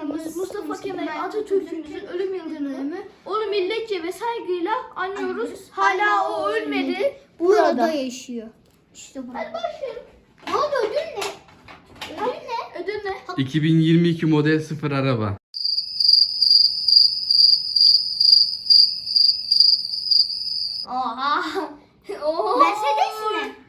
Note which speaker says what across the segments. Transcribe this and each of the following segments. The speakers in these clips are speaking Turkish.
Speaker 1: Başkanımız Mustafa Kemal Atatürk'ümüzün ölüm yıl dönümü onu milletçe ve saygıyla anıyoruz. Hala o ölmedi.
Speaker 2: Burada yaşıyor. İşte burada.
Speaker 1: Hadi başlayalım.
Speaker 2: Ne oldu, ödül ne? Ödül ne?
Speaker 1: Ödül ne?
Speaker 3: 2022 model 0 araba.
Speaker 1: Oha. Oha.
Speaker 2: Mercedes mi?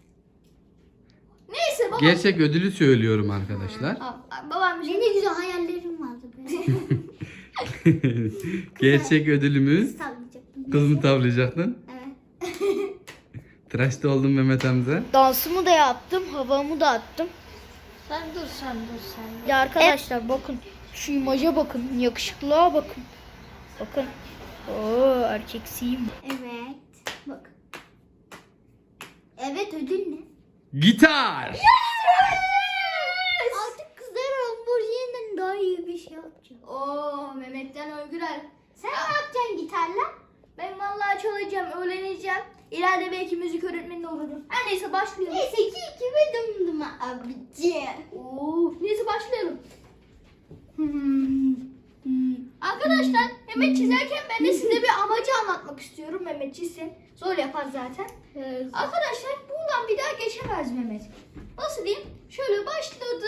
Speaker 1: Neyse baba.
Speaker 3: Gerçek ödülü söylüyorum arkadaşlar.
Speaker 1: Babam bir şey.
Speaker 2: Ne güzel hayallerim vardı be.
Speaker 3: Gerçek ödülümüz.
Speaker 2: Sallayacaktım.
Speaker 3: Kız mı tavlayacaktın?
Speaker 2: Evet.
Speaker 3: Tıraşta oldum Mehmet amca.
Speaker 2: Dansımı da yaptım, havamı da attım.
Speaker 1: Sen dur.
Speaker 2: Ya arkadaşlar bakın, şu imaja bakın, yakışıklığa bakın. Bakın. Oo, erkeksiyim. Evet. Bak. Evet, ödül ne?
Speaker 3: Gitar.
Speaker 2: Artık kızlar Lamborghini'den daha iyi bir şey yapacağım.
Speaker 1: Oo Mehmet'ten Öygürel.
Speaker 2: Sen ne yapacaksın gitarla?
Speaker 1: Ben vallahi çalacağım, öğreneceğim. İleride belki müzik öğretmeni olurum. Her neyse başlayalım.
Speaker 2: Neyse ki kime döndüm abici.
Speaker 1: Oo, neyse başlayalım. Arkadaşlar Mehmet çizerken ben de size bir amacı anlatmak istiyorum. Mehmet çizsin. Zor yapar zaten. Arkadaşlar buradan bir daha geçemez Mehmet. Nasıl diyeyim? Şöyle başladı.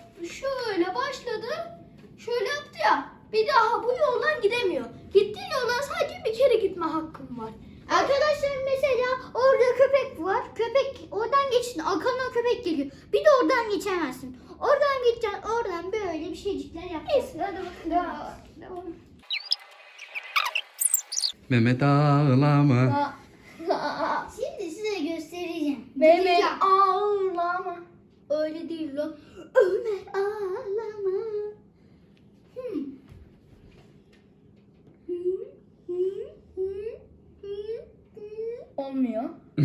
Speaker 1: Şöyle yaptı ya. Bir daha bu yoldan gidemiyor. Gittiğin yoldan sadece bir kere gitme hakkım var.
Speaker 2: Arkadaşlar mesela orada köpek var. Köpek oradan geçsin. Arkandan köpek geliyor. Bir de oradan geçemezsin. Oradan gideceksin. Oradan böyle bir şeycikler yapacaksın.
Speaker 1: Neyse hadi bakalım. Devam.
Speaker 3: Mehmet ağlama.
Speaker 2: Şimdi size göstereceğim.
Speaker 1: Mehmet
Speaker 2: Gideceğim.
Speaker 1: ağlama. Öyle değil lan.
Speaker 2: Ömer ağlama.
Speaker 1: Olmuyor.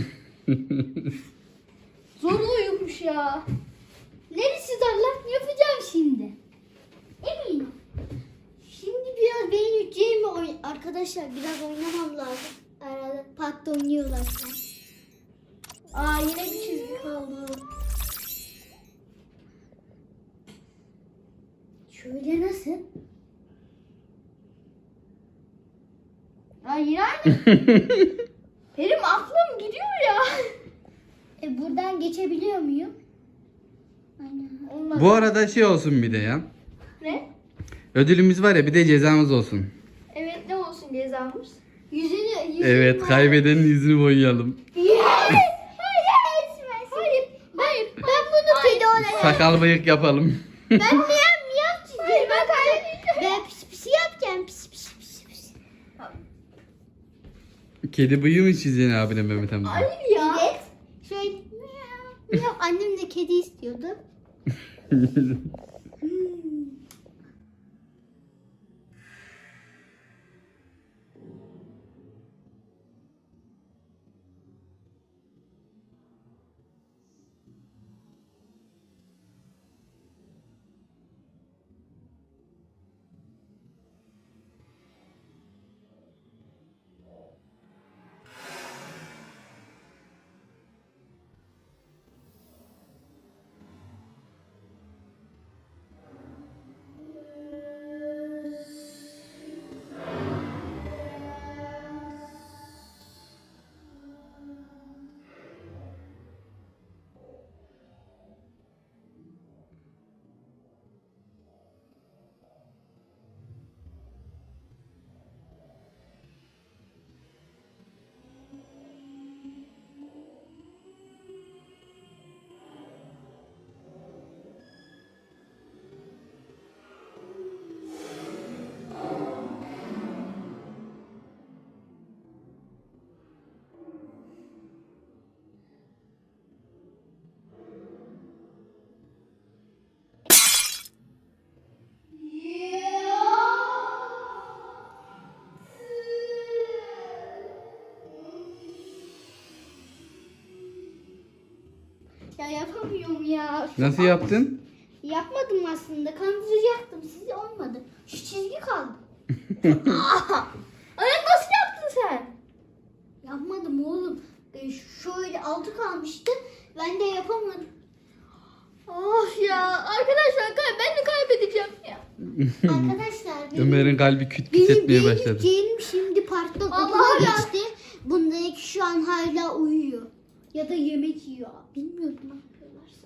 Speaker 1: Zor uyumuş ya.
Speaker 2: Neresi darlar? Yapacağım şimdi. Eminim. Şimdi biraz beğeneceğimi arkadaşlar biraz oynamam lazım. Arada parkta oynuyorlar.
Speaker 1: Aa yine bir çizgi kaldı.
Speaker 2: Şöyle nasıl?
Speaker 1: Aa yine aynı. Benim aklım gidiyor ya.
Speaker 2: Buradan geçebiliyor muyum? Aynen.
Speaker 1: Olmadı.
Speaker 3: Bu arada şey olsun bir de ya.
Speaker 1: Ne?
Speaker 3: Ödülümüz var ya, bir de cezamız olsun.
Speaker 1: Evet ne olsun cezamız?
Speaker 2: Yüzünü
Speaker 3: Evet, kaybedenin yüzünü boyayalım.
Speaker 1: Hayır.
Speaker 2: Ben bunu kedi olarak.
Speaker 3: Sakal bıyık yapalım.
Speaker 2: Ben miyav çizeceğim.
Speaker 1: Hayır ben kaybedeceğim.
Speaker 2: Ben pis pis yapacağım. Pis.
Speaker 3: Kedi bıyığı mı çizeceksin abine Mehmet amca?
Speaker 1: Hayır ya.
Speaker 2: Evet. Şöyle miyav. Annem de kedi istiyordu. Ya yapamıyorum ya.
Speaker 3: Nasıl yaptın?
Speaker 2: Yapmadım aslında. Kandıracaktım sizi, olmadı. Şu çizgi kaldı.
Speaker 1: Anne nasıl yaptın sen?
Speaker 2: Yapmadım oğlum. Şöyle altı kalmıştı. Ben de yapamadım.
Speaker 1: Of ya arkadaşlar ben de kaybedeceğim ya.
Speaker 2: Arkadaşlar
Speaker 3: Ömer'in kalbi küt küt
Speaker 2: benim
Speaker 3: etmeye başladı.
Speaker 2: benim şimdi parkta okula
Speaker 1: Allah ya.
Speaker 2: geçti. Bundaki şu an hala uyuyor. Ya da yemek yiyor. Bilmiyorum ne yapıyorlarsa.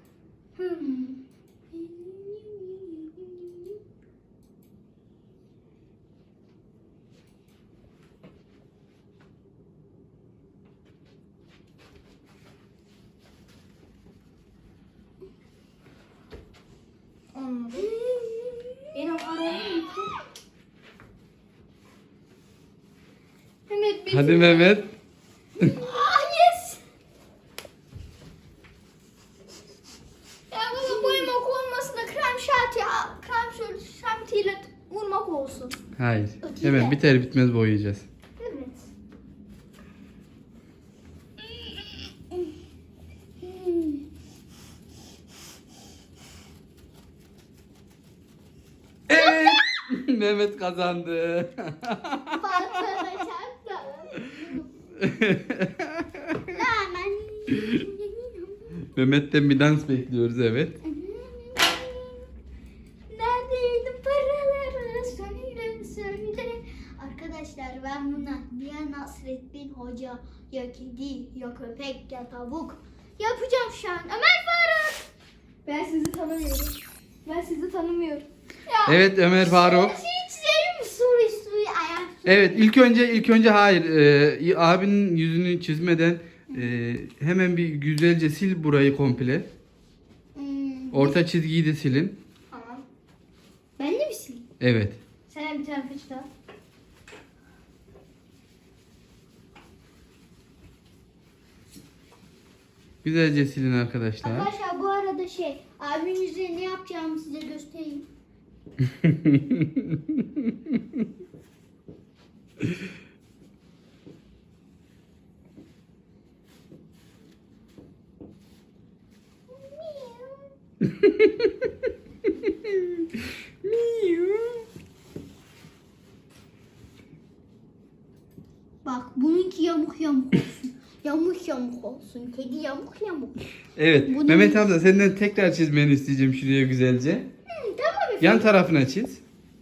Speaker 1: Anladım. Benim aramı gitti. Mehmet bir
Speaker 3: Hadi Mehmet.
Speaker 1: Ah yes. Ya baba boyamak olmasın da krem şantiyle vurmak olsun.
Speaker 3: Hayır.
Speaker 2: O değil
Speaker 3: Hemen
Speaker 2: de.
Speaker 3: biter bitmez boyayacağız.
Speaker 1: Evet.
Speaker 3: Evet. Mehmet kazandı.
Speaker 2: Parkta çarptı. Hemen.
Speaker 3: Mehmet'ten bir dans bekliyoruz, evet.
Speaker 1: Neredeydi paraları söyle.
Speaker 2: Arkadaşlar ben buna ya Nasrettin Hoca ya kedi ya köpek ya tavuk yapacağım şu an. Ömer Faruk.
Speaker 1: Ben sizi tanımıyorum. Ya,
Speaker 3: Evet Ömer Faruk.
Speaker 2: Hiç senin suyu ayak.
Speaker 3: Evet ilk önce hayır. Abinin yüzünü çizmeden hemen bir güzelce sil burayı komple. Orta çizgiyi de silin.
Speaker 1: Tamam.
Speaker 2: Ben de misin?
Speaker 3: Evet.
Speaker 1: Sen bir tane peçete al.
Speaker 3: Güzelce silin arkadaşlar.
Speaker 2: Arkadaşlar bu arada abimin yüzüne ne yapacağımı size göstereyim. Bak bununki yamuk yamuk olsun. Yamuk yamuk olsun. Kedi yamuk yamuk.
Speaker 3: Evet.
Speaker 2: Bunu-
Speaker 3: Mehmet amca senden tekrar çizmeni isteyeceğim şuraya güzelce.
Speaker 2: Tamam efendim.
Speaker 3: Yan tarafına çiz.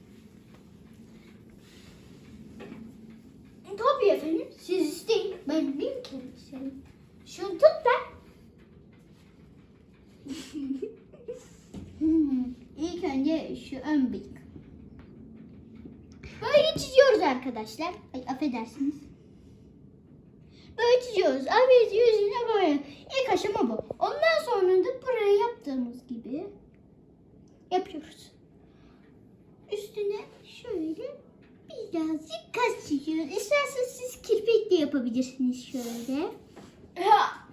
Speaker 2: Tabii efendim. Siz isteyin. Ben bin kere isterim. Şunu tut da. İlk önce şu ön bıyık. Böyle çiziyoruz arkadaşlar. Ay affedersiniz. Böyle çiziyoruz. Abi yüzüne böyle. İlk aşama bu. Ondan sonra da buraya yaptığımız gibi yapıyoruz. Üstüne şöyle birazcık kas çiziyoruz. İsterseniz siz kirpik de yapabilirsiniz şöyle.
Speaker 1: Ya,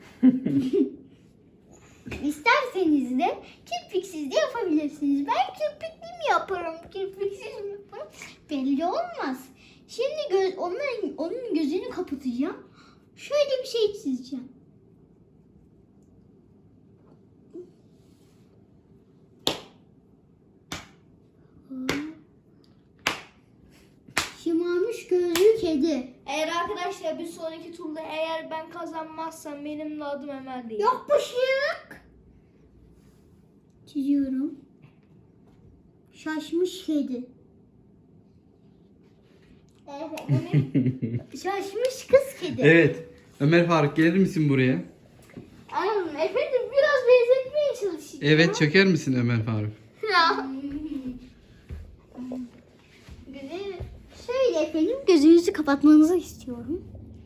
Speaker 2: İsterseniz de kirpiksiz de yapabilirsiniz. Ben kirpikli mi yaparım, kirpiksiz mi yaparım belli olmaz. Şimdi onun gözünü kapatacağım. Şöyle bir şey çizeceğim. Şımarmış gözlü kedi.
Speaker 1: eğer arkadaşlar bir sonraki turda eğer ben kazanmazsam benim de adım Ömer değil.
Speaker 2: Yapışık. Çiziyorum. Şaşmış kedi.
Speaker 1: Oha, bu ne?
Speaker 2: Şaşmış kız kedi.
Speaker 3: Evet. Ömer Faruk gelir misin buraya?
Speaker 1: Aynen, efendim biraz benzetmeye çalışacağım.
Speaker 3: Evet çöker misin Ömer Faruk?
Speaker 1: Ya.
Speaker 2: Güzel. Şöyle efendim gözünüzü kapatmanızı istiyorum.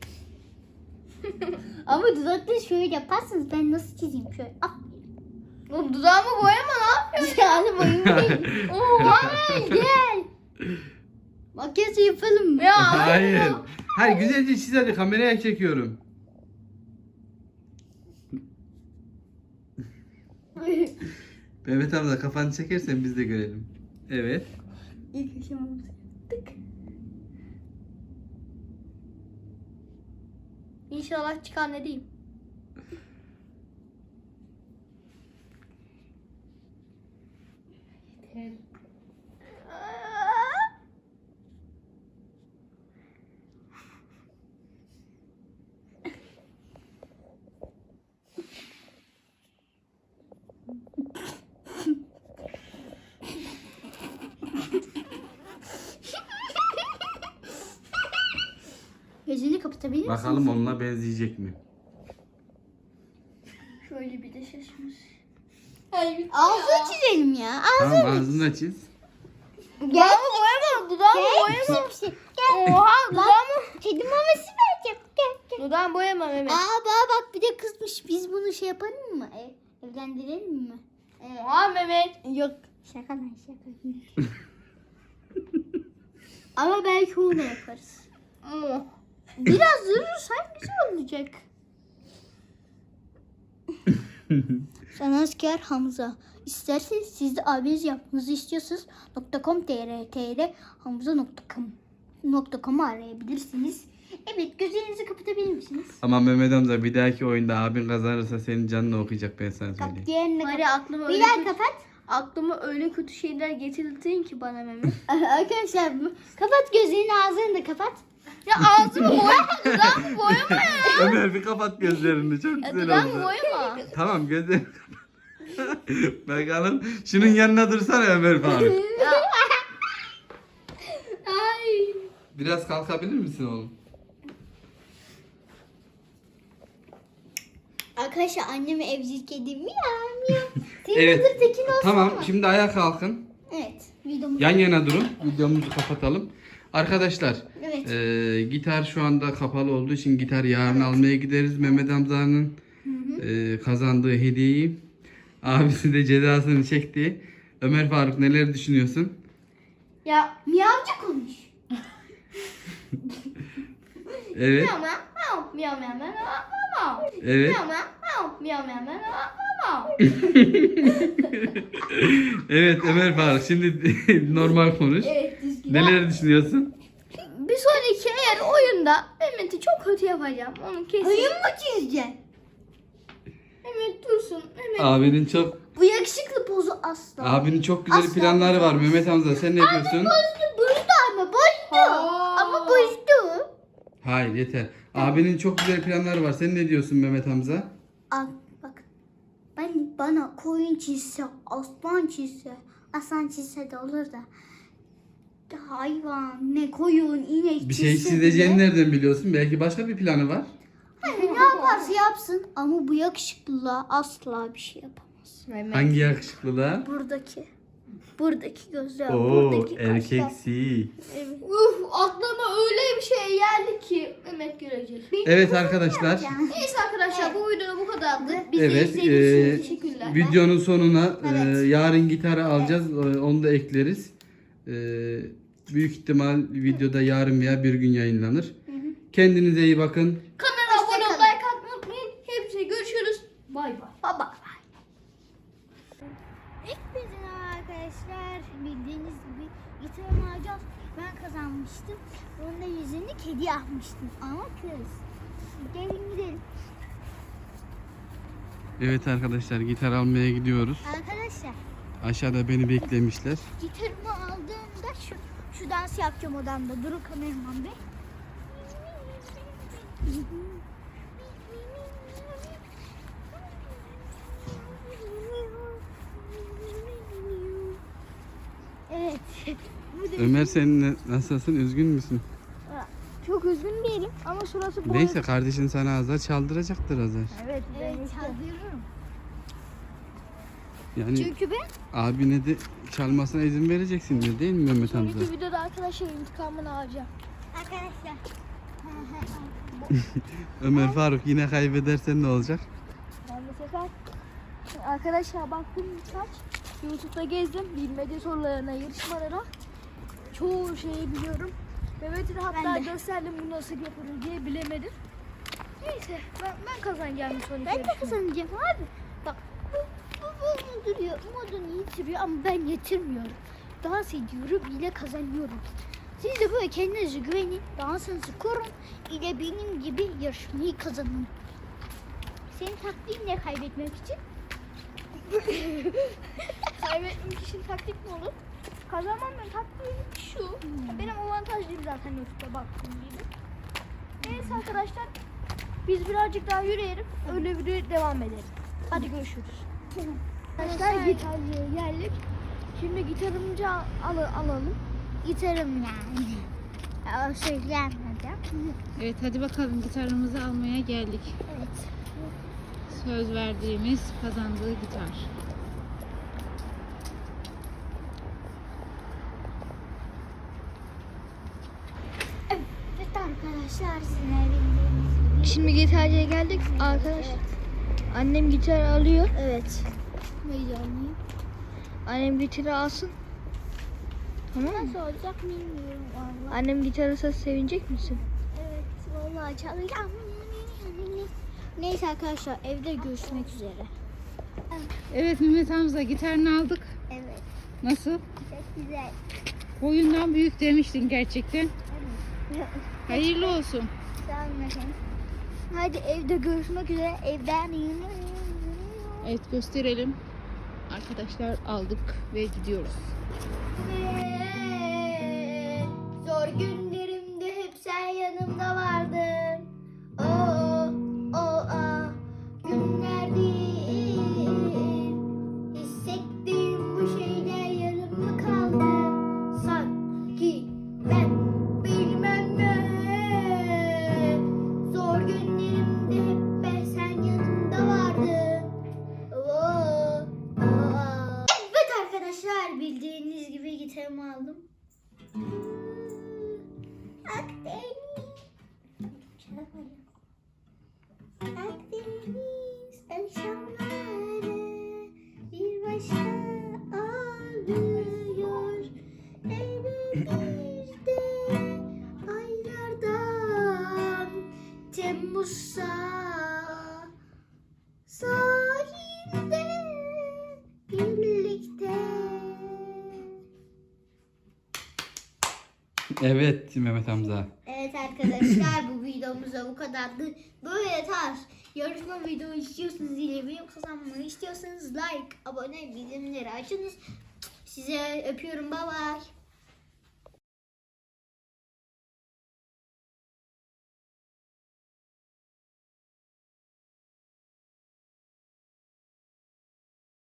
Speaker 2: Ama dudakta şöyle yaparsanız ben nasıl çizeyim şöyle. Ah.
Speaker 1: Bu dudağımı boyama, ne yapıyorsun?
Speaker 2: Yani boyun değil.
Speaker 1: Oha.
Speaker 2: Gel. Makyaj yapalım mı?
Speaker 1: Ya.
Speaker 3: Hayır. Hayır güzelce çiz hadi kameraya çekiyorum. Mehmet abla kafanı çekersen biz de görelim. Evet.
Speaker 2: İlk aşamamızı yaptık.
Speaker 1: İnşallah çıkar, ne diyeyim.
Speaker 2: Gözünü kapatabilir misin?
Speaker 3: Bakalım onunla benzeyecek mi?
Speaker 1: Şöyle bir de şaşmış. Hayır.
Speaker 2: Ağzını çizelim ya.
Speaker 3: Tamam ağzını da çiz.
Speaker 1: Dudağımı boyama. Dudağımı boyama.
Speaker 2: Gel.
Speaker 1: Oha dudağımı.
Speaker 2: Kedi maması vereceğim. Gel.
Speaker 1: Dudağımı boyama Mehmet.
Speaker 2: Bak bir de kızmış. Biz bunu şey yapalım mı? Evlendirelim mi?
Speaker 1: Oha Mehmet.
Speaker 2: Yok. Şaka lan şaka. Ama belki onu da yaparız. Biraz durursan güzel olacak. Sanatkar Hamza. İsterseniz siz de abiniz yapmanızı istiyorsanız .com.tr hamza.com.com'u arayabilirsiniz. Evet, gözlerinizi kapatabilir misiniz?
Speaker 3: Ama Mehmet amca bir dahaki oyunda abin kazanırsa senin canını okuyacak, ben sana söyleyeyim.
Speaker 2: Bak diğerini
Speaker 1: Bari
Speaker 2: kapat.
Speaker 1: aklıma
Speaker 2: Bir
Speaker 1: öyle
Speaker 2: daha
Speaker 1: kötü,
Speaker 2: kapat.
Speaker 1: aklıma öyle kötü şeyler getirdin ki bana Mehmet.
Speaker 2: Arkadaşlar kapat gözlerini, ağzını da kapat.
Speaker 1: Ya ağzımı boyama, dudağımı boyama ya.
Speaker 3: Ömer bir kapat gözlerini, çok
Speaker 1: Ya
Speaker 3: güzel
Speaker 1: dudağımı
Speaker 3: oldu.
Speaker 1: boyama.
Speaker 3: Tamam gözlerini kapat. Bakalım şunun yanına dursana Ömer Faruk.
Speaker 1: Ay.
Speaker 3: Biraz kalkabilir misin oğlum?
Speaker 2: Arkadaşlar anneme evcil kedim miyav. Senin
Speaker 3: Evet.
Speaker 2: adı Tekin olsun
Speaker 3: Tamam
Speaker 2: mu?
Speaker 3: şimdi ayağa kalkın.
Speaker 2: Evet. Videomuz.
Speaker 3: Yan yana durun. Videomuzu kapatalım. Arkadaşlar
Speaker 2: Evet.
Speaker 3: gitar şu anda kapalı olduğu için gitar yarın almaya gideriz. Mehmet amcanın kazandığı hediyeyi. Abisi de cezasını çekti. Ömer Faruk neler düşünüyorsun?
Speaker 1: Ya
Speaker 2: Miyavcı konuş.
Speaker 3: Evet.
Speaker 1: miyav miyav miyav miyav miyav miyav.
Speaker 3: Evet.
Speaker 1: Miyav miyav miyav miyav miyav miyav.
Speaker 3: Evet Ömer Faruk şimdi normal konuş.
Speaker 1: Evet düzgün.
Speaker 3: Neler düşünüyorsun?
Speaker 1: Bir sonraki eğer oyunda Mehmet'i çok kötü yapacağım. Onu kesin.
Speaker 2: Oyun mu çizeceksin?
Speaker 1: Mehmet dursun. Mehmet.
Speaker 3: Abinin çok
Speaker 2: Bu yakışıklı pozu asla.
Speaker 3: abinin çok güzel
Speaker 2: Asla.
Speaker 3: planları var. Mehmet amca sen ne diyorsun?
Speaker 2: Bozdu ama bozdu.
Speaker 1: Aa.
Speaker 2: Ama bozdu.
Speaker 3: Hayır yeter. Abinin çok güzel planları var. Sen ne diyorsun Mehmet Hamza?
Speaker 2: Al bak. Bana koyun çizse, aslan çizse, aslan çizse de olur da. Hayvan, ne koyun, inek
Speaker 3: Bir şey
Speaker 2: çizse
Speaker 3: çizeceğini
Speaker 2: bile-
Speaker 3: nereden biliyorsun? Belki başka bir planı var.
Speaker 2: Ne yaparsa yapsın ama bu yakışıklılığa asla bir şey yapamaz.
Speaker 1: Mehmet.
Speaker 3: Hangi yakışıklılığa?
Speaker 2: Buradaki gözler,
Speaker 3: Oo
Speaker 2: buradaki kaşlar.
Speaker 3: erkeksi.
Speaker 2: Evet.
Speaker 1: Aklıma öyle bir şey geldi ki Mehmet görecek.
Speaker 3: Evet arkadaşlar.
Speaker 1: Neyse arkadaşlar bu videoda bu kadardı. Bizi
Speaker 3: Evet,
Speaker 1: izlediğiniz için teşekkürler.
Speaker 3: Videonun sonuna
Speaker 2: Evet.
Speaker 3: yarın gitarı alacağız. Onu da ekleriz. Büyük ihtimal videoda yarın veya bir gün yayınlanır. Kendinize iyi bakın.
Speaker 1: Kanala abone olup
Speaker 2: Hoşçakalın.
Speaker 1: like atmayı unutmayın. Hepsine görüşürüz. Bay bay.
Speaker 2: Baba. Hepinize arkadaşlar, bildiğiniz gibi gitarımı alacağız. Ben kazanmıştım. Onun da yüzünü kedi yapmıştım. Ama kız. Gelin gidelim.
Speaker 3: Evet arkadaşlar gitar almaya gidiyoruz.
Speaker 2: Arkadaşlar
Speaker 3: Aşağıda beni beklemişler.
Speaker 2: gitarımı aldığımda şu dans yapacağım odamda. Durun kameraman bey. Evet. Bu da
Speaker 3: Ömer sen nasılsın? Üzgün müsün?
Speaker 1: Çok üzgün değilim ama şurası boy.
Speaker 3: Neyse kardeşin sana azar çaldıracaktır azar.
Speaker 1: Evet.
Speaker 2: evet çaldırırım.
Speaker 3: Yani
Speaker 2: Çünkü ben
Speaker 3: abine de çalmasına izin vereceksin diyor değil mi Mehmet amca?
Speaker 1: Sonraki videoda arkadaşlar intikamını alacağım.
Speaker 2: arkadaşlar
Speaker 3: Ömer Faruk yine kaybedersen ne olacak?
Speaker 1: Ben de sefer arkadaşlar baktım birkaç YouTube'da gezdim bilmediği sorularına, yarışmalara çoğu şeyi biliyorum. Mehmet'e de hatta
Speaker 2: Ben de.
Speaker 1: gösterdim bu nasıl yapılır diye bilemedim. Neyse ben kazanacağım bir sonraki
Speaker 2: ben de
Speaker 1: yarışmayı.
Speaker 2: kazanacağım abi. Bak bu duruyor, modunu yitiriyor ama ben yitirmiyorum. Dans ediyorum ile kazanıyorum. Siz de böyle kendinize güvenin, dansınızı korun ile benim gibi yarışmayı kazanın. Senin taktiğin ne kaybetmek için?
Speaker 1: Kaybetmek için taktik mi olur? Kazanmamın taktiği şu. Benim avantajlıyım zaten YouTube'da baktığım gibi. Neyse arkadaşlar biz birazcık daha yürüyelim. Öyle bir devam edelim. Hadi görüşürüz. Arkadaşlar gitarcıya geldik. Şimdi gitarımızı alalım.
Speaker 2: Gitarım yani. O söylenmedi.
Speaker 4: Evet hadi bakalım gitarımızı almaya geldik.
Speaker 2: Evet.
Speaker 4: Söz verdiğimiz kazandığı gitar.
Speaker 2: Evet arkadaşlar sizin bildiğiniz gibi.
Speaker 1: Şimdi gitarcıya geldik arkadaş. Annem gitar alıyor.
Speaker 2: Evet. Heyecanlıyım.
Speaker 1: Annem gitarı alsın. Tamam mı?
Speaker 2: Nasıl olacak bilmiyorum vallahi.
Speaker 1: Annem gitar alsa sevinecek misin?
Speaker 2: Evet vallahi çalacağım. Neyse arkadaşlar evde görüşmek üzere.
Speaker 4: Evet Mehmet Hamza gitarını aldık.
Speaker 2: Evet.
Speaker 4: Nasıl?
Speaker 2: Çok güzel.
Speaker 4: Boyundan büyük demiştin gerçekten.
Speaker 2: Evet.
Speaker 4: Hayırlı olsun.
Speaker 2: Sağ olun efendim. Hadi evde görüşmek üzere. Evden
Speaker 4: Evet gösterelim. Arkadaşlar aldık ve gidiyoruz.
Speaker 2: Zor günlerimde hep sen yanımda vardın. Günler değil. Hissettiğim bu şeyler yarım kaldı. Sanki ben bilmem ne. Zor günlerimde hep sen yanımda vardın. Evet arkadaşlar bildiğiniz gibi gitarımı aldım. Akdeniz akşamları bir başka ağlıyor. Eylül'de aylardan Temmuz'a sahilde birlikte.
Speaker 3: Evet Mehmet Hamza.
Speaker 2: Evet arkadaşlar bu videomuzda bu kadardı. Böyle tarz yarışma video istiyorsanız ile benim kazanmamı istiyorsanız like, abone, bildirimleri açınız. Size öpüyorum. Bye bye.